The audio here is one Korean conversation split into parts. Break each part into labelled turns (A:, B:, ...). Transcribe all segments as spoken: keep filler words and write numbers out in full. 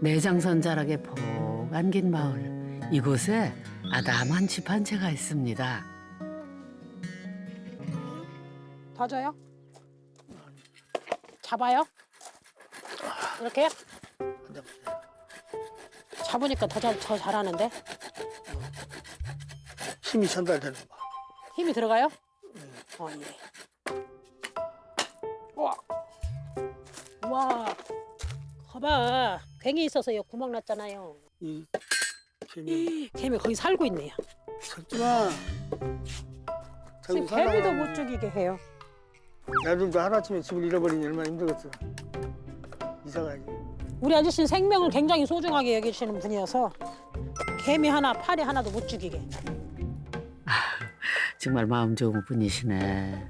A: 내장선 자락에 폭 안긴 마을. 이곳에 아담한 집 한 채가 있습니다.
B: 더 줘요? 잡아요? 이렇게? 잡으니까 더, 잘, 더 잘하는데?
C: 힘이 전달되는 거.
B: 힘이 들어가요? 어, 예. 우와. 우와. 거봐. 괭이 있어서 여기 구멍 났잖아요.
C: 이 개미
B: 개미 거기 살고 있네요.
C: 잡지마.
B: 지금 개미도 못 죽이게 해요.
C: 나도 하루아침에 집을 잃어버리니 얼마나 힘들겠어. 이사 가야지.
B: 우리 아저씨는 생명을 굉장히 소중하게 여기시는 분이어서 개미 하나, 파리 하나도 못 죽이게.
A: 정말 마음 좋은 분이시네.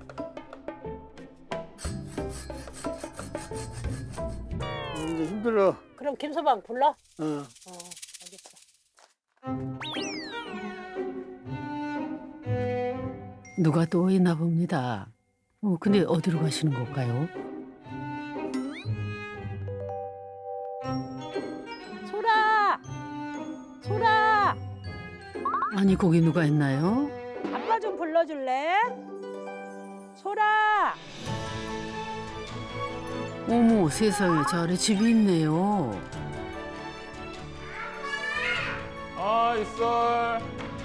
C: 이제 힘들어.
B: 그럼 김서방 불러?
C: 어.
B: 어, 알겠어.
A: 누가 또 있나 봅니다. 어, 근데 어디로 가시는 걸까요?
B: 소라! 소라!
A: 아니 거기 누가 있나요?
B: 아빠 좀 불러줄래? 소라!
A: 어머 세상에 저 아래 집이 있네요.
D: 아, 이썰.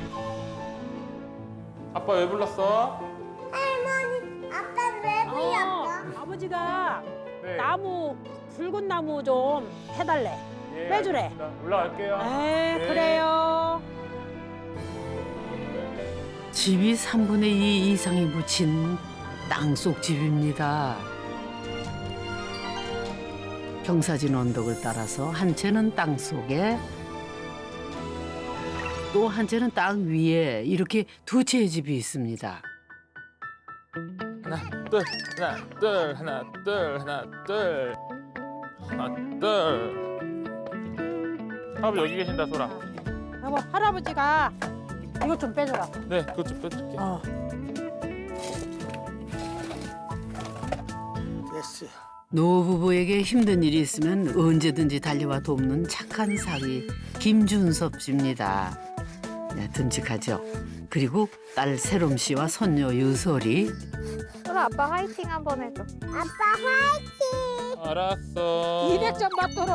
D: 아빠 왜 불렀어?
E: 아빠 왜 불렀어?
B: 어, 아버지가
D: 네.
B: 나무, 붉은 나무 좀 해달래.
D: 예,
B: 빼주래.
D: 알겠습니다. 올라갈게요.
B: 에
D: 네.
B: 그래요.
A: 집이 삼분의 이 이상이 묻힌 땅속 집입니다. 경사진 언덕을 따라서 한 채는 땅 속에 또 한 채는 땅 위에 이렇게 두 채의 집이 있습니다.
D: 하나, 둘, 하나, 둘, 하나, 둘, 하나, 둘. 하나, 둘. 할아버지 여기 계신다, 소라.
B: 여보 할아버지가 이것 좀 빼줘라.
D: 네, 그것 좀 빼줄게.
B: 어.
C: 됐어.
A: 노부부에게 힘든 일이 있으면 언제든지 달려와 돕는 착한 사위 김준섭 씨입니다. 네, 듬직하죠. 그리고 딸 세롬 씨와 손녀 유솔이
E: 소라 아빠 화이팅 한번 해줘. 아빠 화이팅!
D: 알았어.
B: 이백 점 받도록.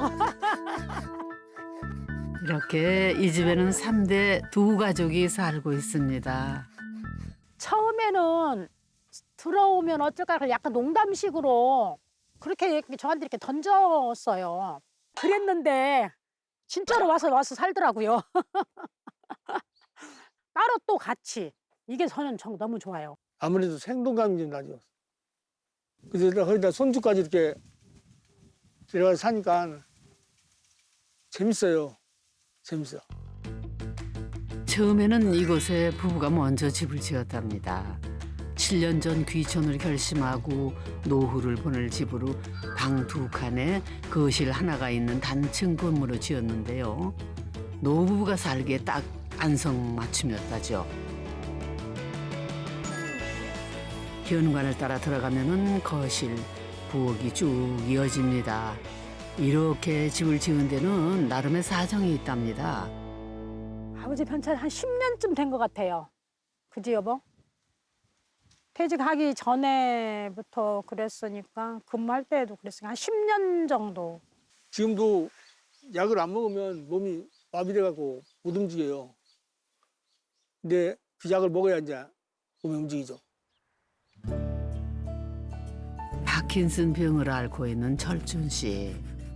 A: 이렇게 이 집에는 삼 대 두 가족이 살고 있습니다.
B: 처음에는 들어오면 어쩔까 약간 농담식으로 그렇게 이렇게 저한테 이렇게 던졌어요. 그랬는데 진짜로 와서 와서 살더라고요. 따로 또 같이. 이게 저는 정 너무 좋아요.
C: 아무래도 생동감이 좀 나죠. 그래서 거기다 손주까지 이렇게 데려가서 사니까 재밌어요. 재밌어.
A: 처음에는 이곳에 부부가 먼저 집을 지었답니다. 칠 년 전 귀촌을 결심하고 노후를 보낼 집으로 방 두 칸에 거실 하나가 있는 단층 건물을 지었는데요. 노부부가 살기에 딱 안성맞춤이었다죠. 현관을 따라 들어가면은 거실, 부엌이 쭉 이어집니다. 이렇게 집을 지은 데는 나름의 사정이 있답니다.
B: 아버지 편찬 한 십 년쯤 된 것 같아요. 그지 여보? 퇴직하기 전에부터 그랬으니까 근무할 때에도 그랬으니까 한 십 년 정도.
C: 지금도 약을 안 먹으면 몸이 마비돼갖고 못 움직여요. 근데 그 약을 먹어야 이제 몸이 움직이죠.
A: 파킨슨 병을 앓고 있는 철준 씨.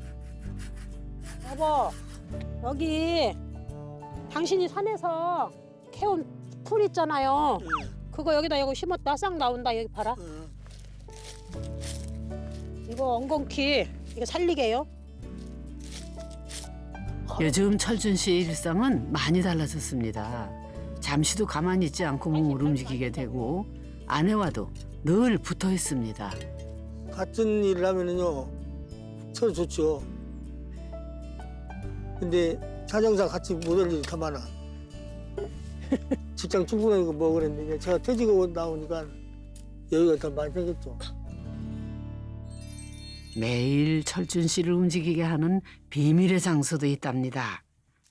B: 여보, 여기 당신이 산에서 캐온 풀 있잖아요. 그거 여기다 이거 심었다 싹 나온다. 여기 봐라. 이거 엉겅퀴 이거 살리게요.
A: 요즘 철준 씨의 일상은 많이 달라졌습니다. 잠시도 가만히 있지 않고 몸을 움직이게 되고 아내와도 늘 붙어 있습니다.
C: 같은 일을 하면은요 서로 좋죠. 근데 사정상 같이 못 할 일이 더 많아. 직장 출근하고 뭐 그랬는데 제가 퇴직하고 나오니까 여유가 더 많이 생겼죠.
A: 매일 철준 씨를 움직이게 하는 비밀의 장소도 있답니다.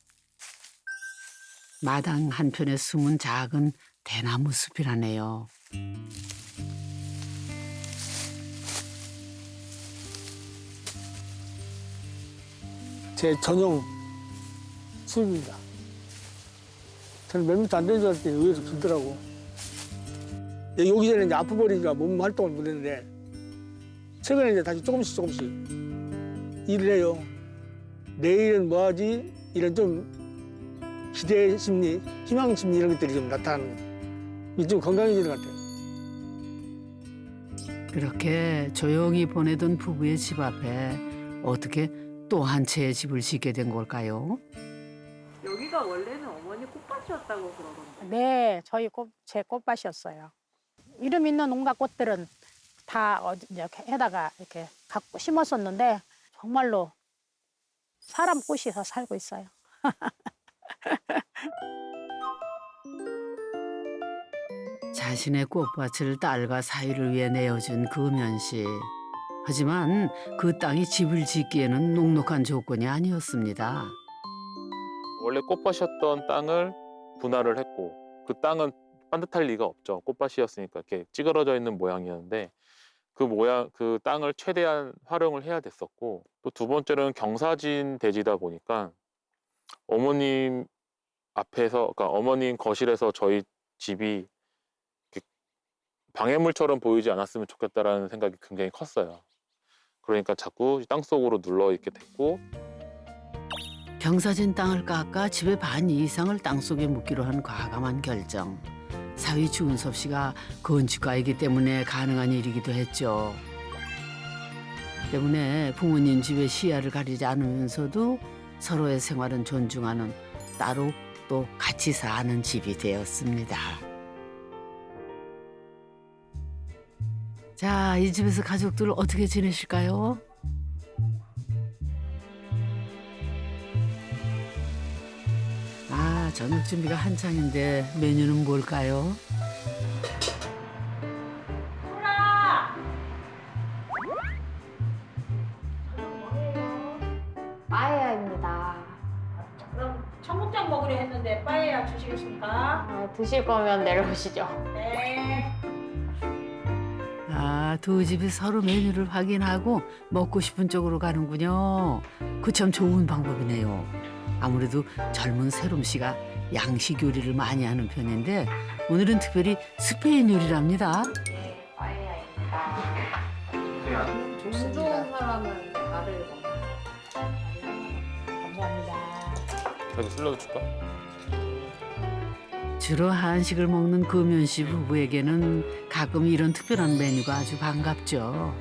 A: 마당 한편에 숨은 작은 대나무 숲이라네요.
C: 제 전용 숲입니다. 저는 몇 미터 안 되는 줄 알았더니 의외로 길더라고. 여기 오기 전에 이제 아프버리니까 몸 활동을 못 했는데 최근에 이제 다시 조금씩 조금씩 일을 해요. 내일은 뭐 하지? 이런 좀 기대 심리, 희망 심리 이런 것들이 좀 나타나는 거예요. 이게 좀 건강해지는 것 같아요.
A: 그렇게 조용히 보내던 부부의 집 앞에 어떻게 또 한 채의 집을 짓게 된 걸까요?
F: 여기가 원래는 어머니 꽃밭이었다고 그러던데.
B: 네, 저희 꽃, 제 꽃밭이었어요. 이름 있는 온갖 꽃들은 다 어디 이렇게 해다가 이렇게 갖고 심었었는데 정말로 사람 꽃이서 살고 있어요.
A: 자신의 꽃밭을 딸과 사위를 위해 내어준 금연 씨. 하지만 그 땅이 집을 짓기에는 녹록한 조건이 아니었습니다.
D: 원래 꽃밭이었던 땅을 분할을 했고 그 땅은 반듯할 리가 없죠. 꽃밭이었으니까 이렇게 찌그러져 있는 모양이었는데 그 모양 그 땅을 최대한 활용을 해야 됐었고 또 두 번째로는 경사진 대지다 보니까 어머님 앞에서 그러니까 어머님 거실에서 저희 집이 이렇게 방해물처럼 보이지 않았으면 좋겠다라는 생각이 굉장히 컸어요. 그러니까 자꾸 땅속으로 눌러 있게 됐고
A: 경사진 땅을 깎아 집의 반 이상을 땅속에 묻기로 한 과감한 결정. 사위 주은섭 씨가 건축가이기 때문에 가능한 일이기도 했죠. 때문에 부모님 집의 시야를 가리지 않으면서도 서로의 생활은 존중하는 따로 또 같이 사는 집이 되었습니다. 자, 이 집에서 가족들 어떻게 지내실까요? 아, 저녁 준비가 한창인데 메뉴는 뭘까요?
E: 빠에야입니다.
B: 그럼 청국장 먹으려 했는데 빠에야 주시겠습니까?
E: 아, 드실 거면 내려오시죠.
B: 네.
A: 아, 두 집이 서로 메뉴를 확인하고 먹고 싶은 쪽으로 가는군요. 그 참 좋은 방법이네요. 아무래도 젊은 세롬 씨가 양식 요리를 많이 하는 편인데 오늘은 특별히 스페인 요리랍니다.
E: 네, 빠에야입니다. 운 좋은 사람은 나를 먹는
B: 감사합니다.
D: 저기 슬러드 줄까?
A: 주로 한식을 먹는 금연 씨 부부에게는 가끔 이런 특별한 메뉴가 아주 반갑죠.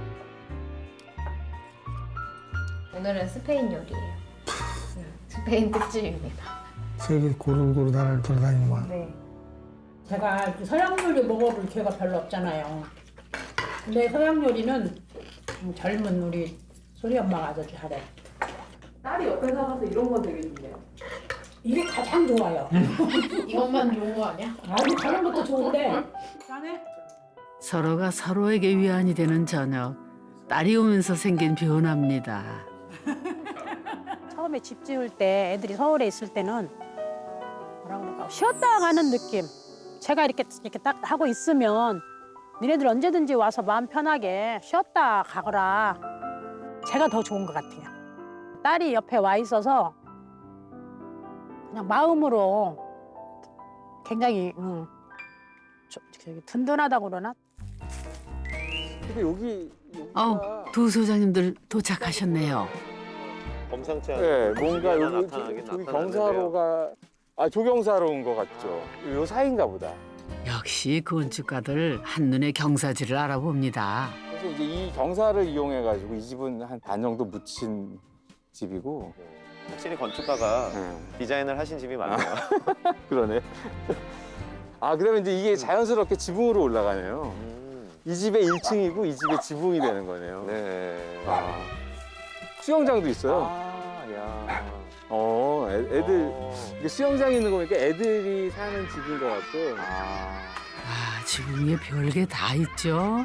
E: 오늘은 스페인 요리예요. 음, 스페인 특집입니다.
C: 세계 고루고루 나라를 돌아다니는
E: 네.
B: 제가 이렇게 서양 요리 먹어볼 기회가 별로 없잖아요. 근데 서양 요리는 좀 젊은 우리 소리 엄마가 아주 잘해.
F: 딸이 옆에 살아서 이런 건 되게 좋네요.
B: 이게 가장 좋아요.
E: 이것만 좋은 거 아니야?
B: 아주 다른 것도 좋은데. 잘해?
A: 서로가 서로에게 위안이 되는 저녁. 딸이 오면서 생긴 변화입니다.
B: 처음에 집 지을 때 애들이 서울에 있을 때는 뭐라 그럴까 쉬었다 가는 느낌. 제가 이렇게 이렇게 딱 하고 있으면 니네들 언제든지 와서 마음 편하게 쉬었다 가거라. 제가 더 좋은 것 같아요. 딸이 옆에 와 있어서 그냥 마음으로 굉장히 음, 저, 저기 든든하다고 그러나?
C: 근데 여기
A: 어, 두 소장님들 도착하셨네요.
G: 범상치 않은
H: 네, 뭔가
G: 일이
H: 여기
G: 나타나긴
H: 저기
G: 나타났는데요.
H: 경사로가 아 조경사로 온 것 같죠. 요 사이인가 보다.
A: 역시 건축가들 한눈에 경사지를 알아봅니다.
H: 그래서 이제 이 경사를 이용해 가지고 이 집은 한 반 정도 묻힌 집이고.
G: 확실히 건축가가
H: 네.
G: 디자인을 하신 집이 많네요.
H: 그러네. 아 그러면 이제 이게 자연스럽게 지붕으로 올라가네요.
G: 음.
H: 이 집의 일 층이고 이 집의 지붕이 되는 거네요.
G: 네.
H: 아. 수영장도 있어요.
G: 아, 야.
H: 어, 애, 애들
G: 어.
H: 이게 수영장 있는 거 보니까 애들이 사는 집인 것 같고.
G: 아.
A: 아, 지붕 위에 별게 다 있죠.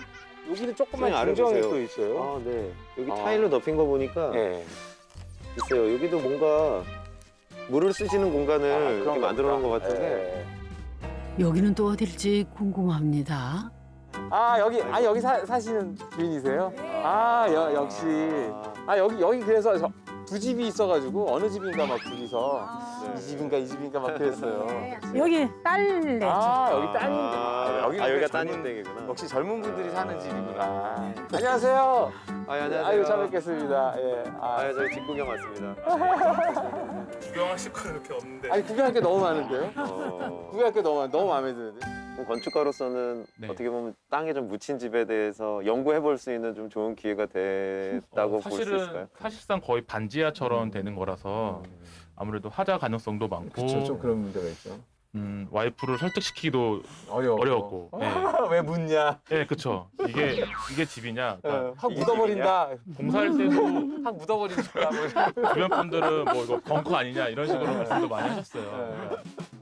H: 여기도 조그만
G: 선생님, 아래
H: 중정이
G: 보세요.
H: 또 있어요.
G: 아, 네. 여기
H: 아.
G: 타일로 덮인 거 보니까
H: 네.
G: 있어요. 여기도 뭔가 물을 쓰시는 공간을
H: 아,
G: 이렇게
H: 그런
G: 만들어 놓은 것
H: 겁니다.
G: 같은데.
H: 네.
A: 여기는 또 어딜지 궁금합니다.
H: 아 여기 아 여기 사, 사시는 주인이세요? 아 여, 역시
G: 아,
H: 아 여기 여기 그래서 저, 두 집이 있어가지고 어느 집인가 막 둘이서
G: 네.
H: 이 집인가 이 집인가 막 그랬어요.
B: 여기 딸네.
H: 아 여기
G: 아,
H: 따님들
G: 아,
H: 여기는
G: 아, 여기가
H: 젊은-
G: 따님 댁이구나.
H: 역시 젊은 분들이 사는 집이구나. 안녕하세요.
G: 아, 예, 안녕하세요.
H: 아유 잘 뵙겠습니다. 예. 아,
G: 아, 저희 집구경 왔습니다.
I: 구경하실 거 이렇게 없는데.
H: 아니 구경할 게 너무 많은데요?
G: 어,
H: 구경할 게 너무 많, 너무 마음에 드는데.
G: 그럼 건축가로서는
D: 네.
G: 어떻게 보면 땅에 좀 묻힌 집에 대해서 연구해 볼 수 있는 좀 좋은 기회가 됐다고
D: 어,
G: 볼 수 있을까요?
D: 사실은 사실상 거의 반지하처럼 되는 거라서 아무래도 하자 가능성도 많고
H: 그렇죠. 좀 그런 문제가 있죠.
D: 음, 와이프를 설득시키기도
H: 어려워.
D: 어려웠고. 네.
H: 왜 묻냐?
D: 네, 그쵸. 이게 이게 집이냐? 그러니까
H: 어, 확 묻어버린다.
D: 공사할 때도
H: 확 묻어버린다. 뭐 이런.
D: 주변 분들은 뭐 이거 벙커 아니냐 이런 식으로 말씀도 많이
H: 네.
D: 하셨어요.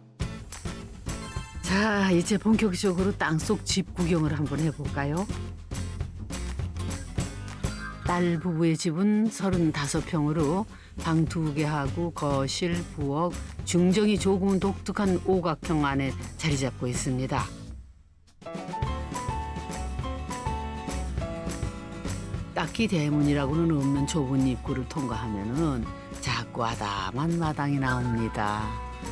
A: 자, 이제 본격적으로 땅속 집 구경을 한번 해볼까요? 딸 부부의 집은 서른다섯 평으로 방 두 개 하고 거실, 부엌, 중정이 조금은 독특한 오각형 안에 자리 잡고 있습니다. 딱히 대문이라고는 없는 좁은 입구를 통과하면은 작고 아담한 마당이 나옵니다.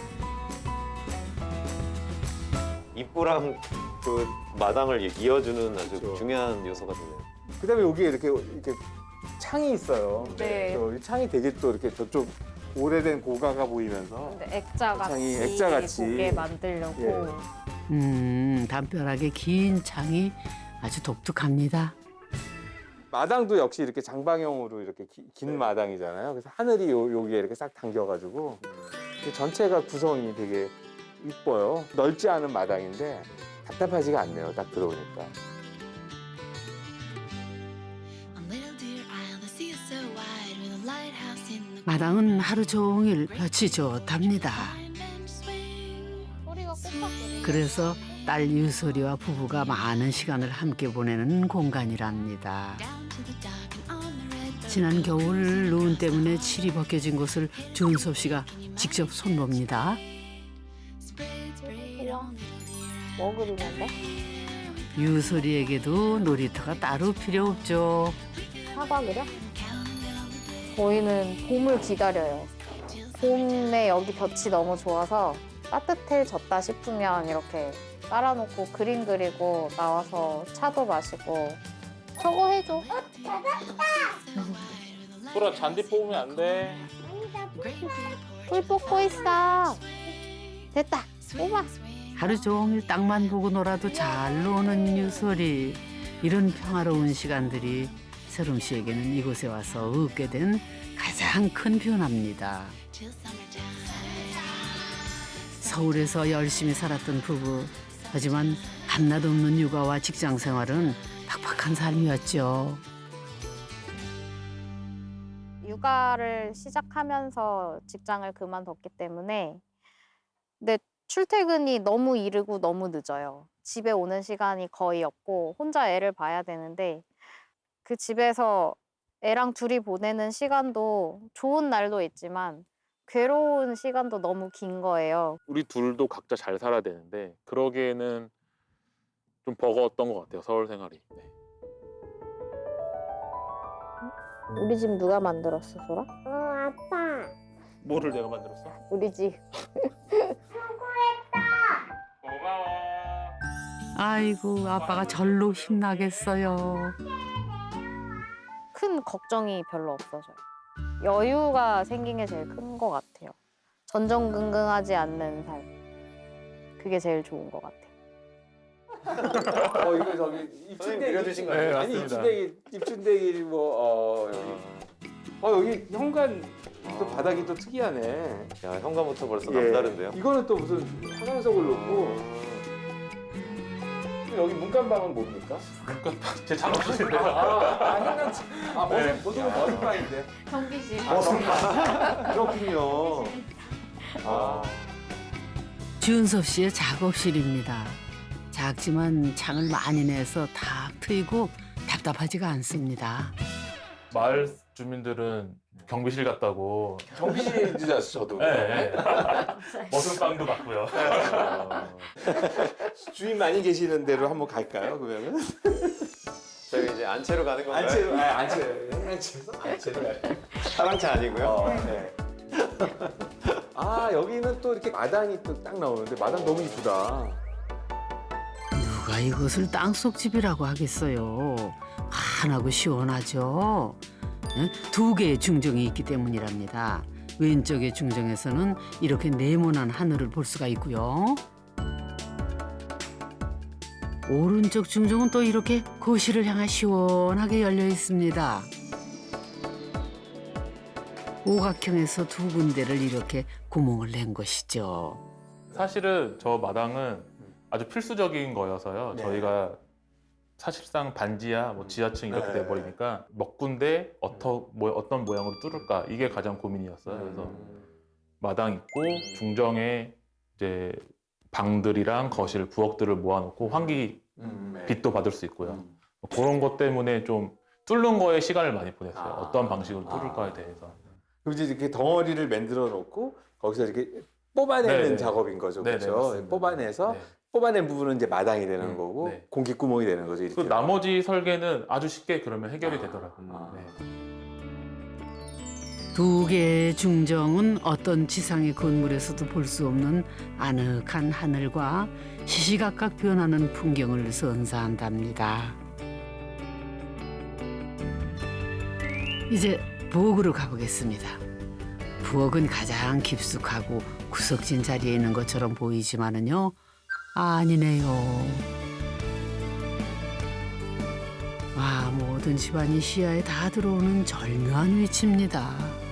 G: 입구랑 그 마당을 이- 이어주는 아주
H: 그렇죠.
G: 중요한 요소가 되네요.
H: 그다음에 여기에 이렇게 이렇게 창이 있어요.
E: 네.
H: 그래서 이 창이 되게 또 이렇게 저쪽 오래된 고가가 보이면서
E: 근데 액자같이
H: 창이 액자같이.
E: 보게 만들려고.
H: 예.
A: 음, 담벼락의 긴 창이 아주 독특합니다.
H: 마당도 역시 이렇게 장방형으로 이렇게 기- 긴 마당이잖아요. 그래서 하늘이 요, 여기에 이렇게 싹 당겨가지고 이 전체가 구성이 되게 이뻐요. 넓지 않은 마당인데 답답하지가 않네요. 딱 들어오니까.
A: 마당은 하루 종일 볕이 좋답니다.
E: 소리가 꽃밭이네.
A: 그래서 딸 유소리와 부부가 많은 시간을 함께 보내는 공간이랍니다. 지난 겨울 눈 때문에 칠이 벗겨진 곳을 준섭 씨가 직접 손봅니다.
E: 뭐 그리는데?
A: 유소리에게도 놀이터가 따로 필요 없죠.
E: 사과 그려? 저희는 봄을 기다려요. 봄에 여기 볕이 너무 좋아서 따뜻해졌다 싶으면 이렇게 깔아놓고 그림 그리고 나와서 차도 마시고 저거 해줘.
D: 소라 잔디 뽑으면 안 돼.
E: 꿀 뽑고 있어. 됐다. 뽑아.
A: 하루 종일 땅만 보고 놀아도 잘 노는 유소리. 이런 평화로운 시간들이 세롬 씨에게는 이곳에 와서 얻게 된 가장 큰 변화입니다. 서울에서 열심히 살았던 부부. 하지만 한낮 없는 육아와 직장 생활은 팍팍한 삶이었죠.
E: 육아를 시작하면서 직장을 그만뒀기 때문에 근데 출퇴근이 너무 이르고 너무 늦어요. 집에 오는 시간이 거의 없고 혼자 애를 봐야 되는데 그 집에서 애랑 둘이 보내는 시간도 좋은 날도 있지만 괴로운 시간도 너무 긴 거예요.
D: 우리 둘도 각자 잘 살아야 되는데 그러기에는 좀 버거웠던 것 같아요. 서울 생활이. 네.
E: 우리 집 누가 만들었어, 소라?
J: 어, 아빠.
D: 뭐를 내가 만들었어?
E: 우리 집.
D: 고마워.
A: 아이고, 아빠가 절로 힘나겠어요.
E: 큰 걱정이 별로 없어져요. 여유가 생긴 게 제일 큰 것 같아요. 전전긍긍하지 않는 삶. 그게 제일 좋은 것 같아요.
H: 어 이거 저기
G: 선생님
H: 입춘대기
G: 그려주신 거
D: 네,
G: 아니에요?
H: 아니
D: 맞습니다.
H: 입춘대기 입춘대기 뭐어 여기 어 여기 현관 또
G: 아.
H: 바닥이 또 특이하네.
G: 야, 현관부터 벌써
H: 예.
G: 남다른데요?
H: 이거는 또 무슨 화강석을 놓고 여기 문간방은 뭡니까?
D: 제 작업실인데.
H: 아, 아, 현관 아 머슴
D: 네.
H: 머슴은 머슴방인데.
E: 경기실.
H: 아, 그렇군요. 아.
A: 준섭 씨의 작업실입니다. 작지만 창을 많이 내서 탁 트이고 답답하지가 않습니다.
D: 마을 주민들은 경비실 갔다고.
H: 경비실인 줄 알았어 저도.
D: 네. 머슴빵도 받고요.
H: 주인 많이 계시는 데로 한번 갈까요? 그러면은
G: 저희 이제 안채로 가는 건가요?
H: 안채로, 아, 안채, 안채에서 안채로 가요.
G: 사랑채 아니고요.
H: 어, 네. 아 여기는 또 이렇게 마당이 또 딱 나오는데 마당 너무 이쁘다.
A: 누가 이것을 땅속 집이라고 하겠어요. 환하고 시원하죠. 예? 두 개의 중정이 있기 때문이랍니다. 왼쪽의 중정에서는 이렇게 네모난 하늘을 볼 수가 있고요. 오른쪽 중정은 또 이렇게 거실을 향해 시원하게 열려 있습니다. 오각형에서 두 군데를 이렇게 구멍을 낸 것이죠.
D: 사실은 저 마당은 아주 필수적인 거여서요.
H: 네.
D: 저희가 사실상 반지하, 뭐 지하층 이렇게
H: 네.
D: 돼버리니까 몇 군데 어떠, 뭐, 어떤 모양으로 뚫을까 이게 가장 고민이었어요. 그래서 마당 있고 중정에 이제 방들이랑 거실, 부엌들을 모아놓고 환기
H: 음, 네.
D: 빛도 받을 수 있고요.
H: 음.
D: 뭐 그런 것 때문에 좀 뚫는 거에 시간을 많이 보냈어요.
H: 아.
D: 어떤 방식으로
H: 아.
D: 뚫을까에 대해서.
H: 그럼 이제 이렇게 덩어리를 만들어 놓고 거기서 이렇게 뽑아내는
D: 네네.
H: 작업인 거죠,
D: 네네,
H: 그렇죠?
D: 맞습니다.
H: 뽑아내서
D: 네.
H: 뽑아낸 부분은 이제 마당이 되는
D: 음,
H: 거고
D: 네.
H: 공기 구멍이 되는 거죠. 이렇게.
D: 그 나머지 설계는 아주 쉽게 그러면 해결이
H: 아.
D: 되더라고요.
H: 아.
D: 네.
A: 두 개의 중정은 어떤 지상의 건물에서도 볼 수 없는 아늑한 하늘과 시시각각 변하는 풍경을 선사한답니다. 이제 부엌으로 가보겠습니다. 부엌은 가장 깊숙하고 구석진 자리에 있는 것처럼 보이지만은요, 아니네요. 와, 모든 집안이 시야에 다 들어오는 절묘한 위치입니다.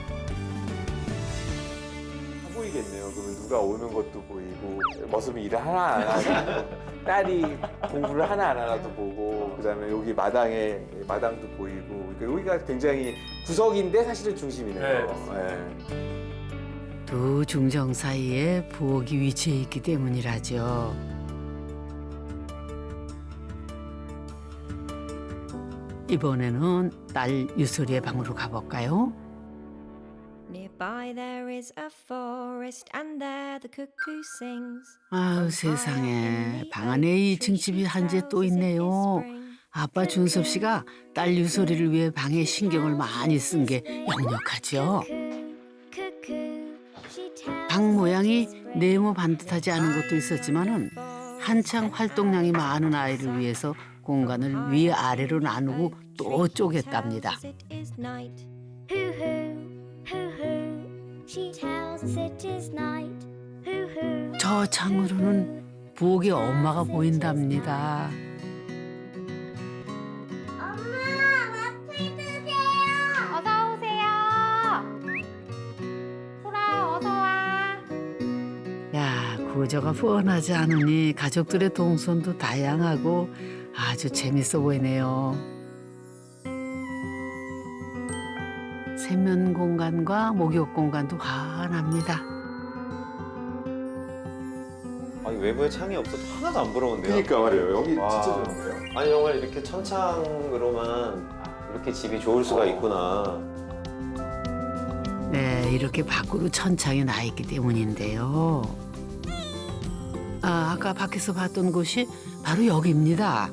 H: 다 보이겠네요. 그러면 누가 오는 것도 보이고 머슴이 일을 하나 안 하고 딸이 공부를 하나 안 하나도 보고 그다음에 여기 마당에 마당도 보이고 그러니까 여기가 굉장히 구석인데 사실은 중심이네요.
D: 네, 맞습니다.
H: 네.
A: 두 중정 사이에 부엌이 위치해 있기 때문이라죠. 이번에는 딸 유솔이의 방으로 가볼까요?
J: Nearby there is a forest and there the cuckoo sings.
A: 아유 세상에, 방 안에 이 층 집이 한 채 또 있네요. 아빠 준섭 씨가 딸 유솔이를 위해 방에 신경을 많이 쓴 게 역력하죠. 방 모양이 네모 반듯하지 않은 것도 있었지만은 한창 활동량이 많은 아이를 위해서 공간을 위아래로 나누고 또 쪼갰답니다. 저 창으로는 부엌의 엄마가 보인답니다.
E: 어서 오세요. 소라 어서 와.
A: 야, 구조가 뻔하지 않으니 가족들의 동선도 다양하고 아주 재밌어 보이네요. 세면 공간과 목욕 공간도 환합니다.
G: 아니 외부에 창이 없어도 하나도 안 부러운데요.
H: 그러니까 말이에요. 여기
G: 와.
H: 진짜 좋은데요.
G: 아니 정말 이렇게 천창으로만 이렇게 집이 좋을 수가 있구나.
A: 네, 이렇게 밖으로 천창이 나 있기 때문인데요. 아, 아까 밖에서 봤던 곳이 바로 여기입니다.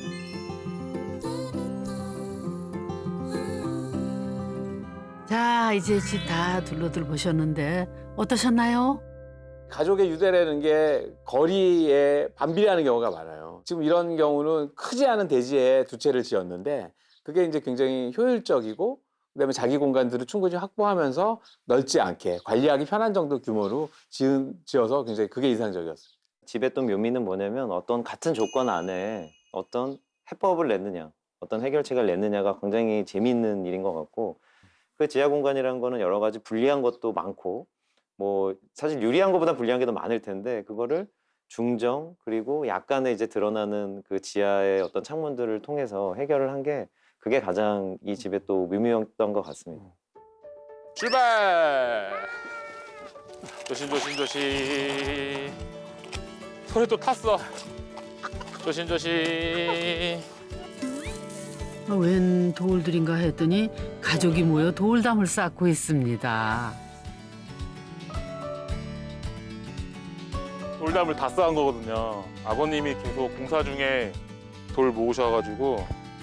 A: 자, 이제 집 다 둘러들 보셨는데 어떠셨나요?
H: 가족의 유대라는 게 거리에 반비례하는 경우가 많아요. 지금 이런 경우는 크지 않은 대지에 두 채를 지었는데 그게 이제 굉장히 효율적이고 그다음에 자기 공간들을 충분히 확보하면서 넓지 않게 관리하기 편한 정도 규모로 지은, 지어서 굉장히 그게 인상적이었어요.
G: 집의 또 묘미는 뭐냐면 어떤 같은 조건 안에 어떤 해법을 냈느냐, 어떤 해결책을 냈느냐가 굉장히 재미있는 일인 것 같고 그 지하 공간이라는 거는 여러 가지 불리한 것도 많고 뭐 사실 유리한 것보다 불리한 게 더 많을 텐데 그거를 중정 그리고 약간의 이제 드러나는 그 지하의 어떤 창문들을 통해서 해결을 한 게 그게 가장 이 집의 또 묘미였던 것 같습니다.
D: 출발! 조심 조심 조심. 소리 또 탔어. 조심조심.
A: 어, 웬 돌들인가 했더니 가족이 모여 돌담을 쌓고 있습니다.
D: 돌담을 다 쌓은 거거든요. 아버님이 계속 공사 중에 돌 모으셔가지고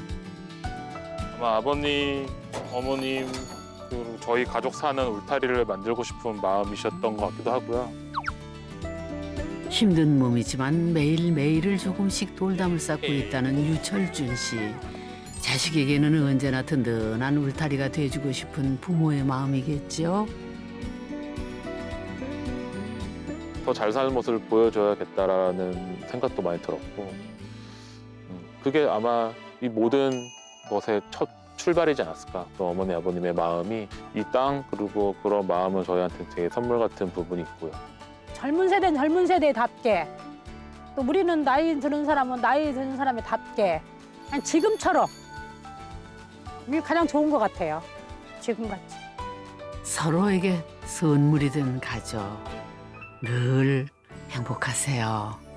D: 아마 아버님, 어머님 그리고 저희 가족 사는 울타리를 만들고 싶은 마음이셨던 것 같기도 하고요.
A: 힘든 몸이지만 매일매일을 조금씩 돌담을 쌓고 있다는 유철준 씨. 자식에게는 언제나 든든한 울타리가 돼주고 싶은 부모의 마음이겠죠.
D: 더 잘 사는 모습을 보여줘야겠다라는 생각도 많이 들었고 음, 그게 아마 이 모든 것의 첫 출발이지 않았을까. 또 어머니 아버님의 마음이 이 땅 그리고 그런 마음은 저희한테 되게 선물 같은 부분이 있고요.
B: 젊은 세대는 젊은 세대답게 또 우리는 나이 드는 사람은 나이 드는 사람이답게 그냥 지금처럼 이게 가장 좋은 것 같아요. 지금같이.
A: 서로에게 선물이 된 가족. 늘 행복하세요.